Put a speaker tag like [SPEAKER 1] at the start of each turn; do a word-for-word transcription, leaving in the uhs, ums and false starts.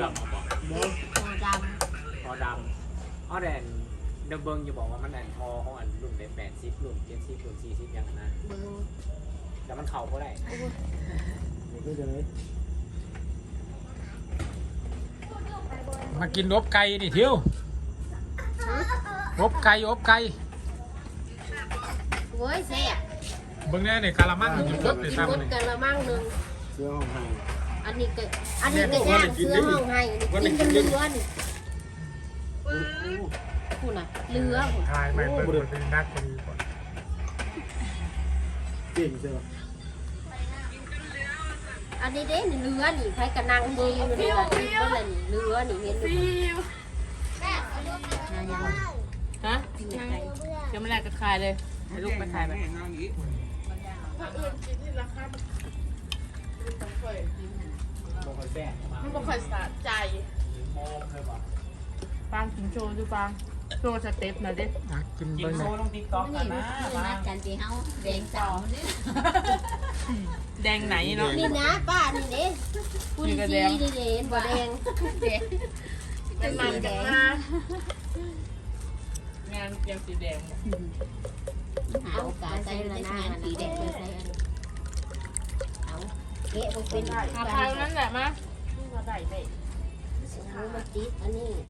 [SPEAKER 1] องมาบอก
[SPEAKER 2] คอด
[SPEAKER 1] พอดำอ้อแดนเดบเบิงจะบอกว่ามันแอนทอของอันรุ่นเป็นแปดสิบรุ่นเจ็ดสิบรุ่นสี่สิบยังนะ
[SPEAKER 2] ำเบิ้ง
[SPEAKER 1] แต่มันเข่าก็ได้
[SPEAKER 3] มากินอบไก่นี่เที่ยวอบไก่อบไก่
[SPEAKER 2] โว้ยแซ่บ
[SPEAKER 3] เบิ่งแน่เนี่ยกะละมังอยู่รถเลย
[SPEAKER 2] กิน
[SPEAKER 3] ทำ
[SPEAKER 2] ร
[SPEAKER 3] เล
[SPEAKER 2] ถ
[SPEAKER 3] ย
[SPEAKER 2] กันละมั่งหนึ่ง
[SPEAKER 4] เสื้อห้องไห้
[SPEAKER 2] อันนี้ก็อันนี้ก็ย่างเสื้อห้องให้กินกันเรือนี่พูดน่ะเรือ
[SPEAKER 3] ทายไม่เปิดเป็นนักคนก่อน
[SPEAKER 4] เก่งเสื้อ
[SPEAKER 2] อันนี้เด้นี่เรือนี่ใครกระนังเบิ้งอยู่นี่ล่ะกินก็เลยนี่เรือนี่เห็นอยู่
[SPEAKER 5] ฮะยังไม่ได้จะขายเลยให้ลูกไปขายไป
[SPEAKER 1] บอกคนแบ่งมา
[SPEAKER 5] มันบ่ค่อยสะใจ
[SPEAKER 1] โมเลยบอก
[SPEAKER 5] ปังกินโชว์ดูปังโชว์สเต็ปหน่อยดิ
[SPEAKER 3] อ่ะกิน
[SPEAKER 1] กิน
[SPEAKER 3] เบิ่ง
[SPEAKER 1] โซ่
[SPEAKER 3] เนี่ย
[SPEAKER 1] ต้องติ๊กต๊อกกันนะมา
[SPEAKER 6] กันที่เฮาแดงสาวเนี่ย
[SPEAKER 5] แดงไหนเนาะ
[SPEAKER 2] นี่นะป้านี่เด้พูดดีๆนี่เด้เห็นบ่แดง
[SPEAKER 5] มันมันกันนะงานยังสีแดง
[SPEAKER 6] หาโอกาสใส่ในงานสีแดงใส่อันเอาเกะบ่เป็น
[SPEAKER 5] อาคารนั้นแหละมะ
[SPEAKER 2] มันติดอันนี้